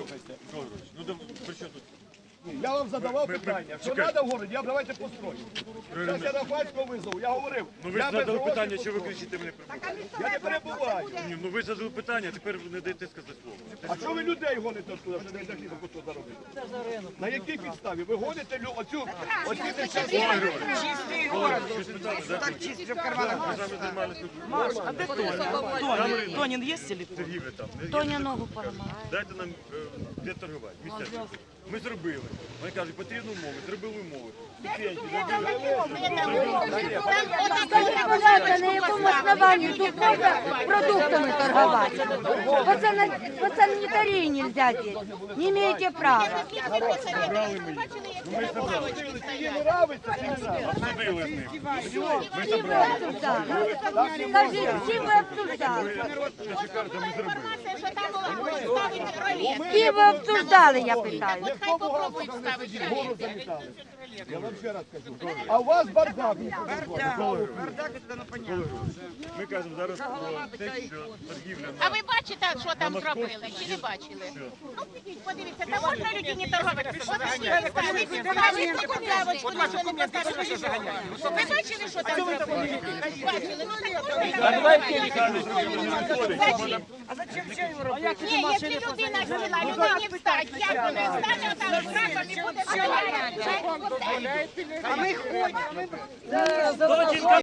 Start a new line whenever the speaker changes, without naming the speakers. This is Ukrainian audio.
Слухайте.
Ну, при чому тут?
Я вам задавав питання, що треба в городі, давайте построю. Зараз я Рафальського визову, я говорив.
Ну ви ж задали питання, що ви кричите мене прибуваєте?
Я не перебуваю.
Ні, ну ви задали питання, тепер ви не даєте сказати слово.
А що ви людей гоните туди, що не даєте кусок заробити? На якій підставі? Ви гоните оці нещасні?
Чистий город. Так чисто в карманах.
Ми з вами займалися.
Маш, а де Тоня? Тонін є или?
Торгівля там.
Тоня ногу поламала.
Дайте нам де торгувати, місця. Ми зробили. Вони кажуть, потрібні умови, зробили умови.
Скажіть, на якому основанні тут можна продуктами торгувати? По санітарії нельзя здесь. Не маєте права.
Їй не нравиться чи не нравиться?
Обсудили з ним.
Всі ви обсуждали. Скажіть, всі ви обсуждали. Всі ви обсуждали, я питаю.
Хто попробує ставити гору замітали? Я вам ще раз кажу. А у вас бардак.
Бардак, це ну понятно.
Ми кажемо зараз про те, що торгівля
А ви бачите, що там зробили? Чи не бачили? Ну, підіть, подивіться, та можна людині торгувати? Ви бачили, що там зробили? Бачили, ну так.
А зачем ще його робити?
Ні, якщо людина сіла, людині встать, як вони встане, там з раком і буде стояти.
А ми ходимо.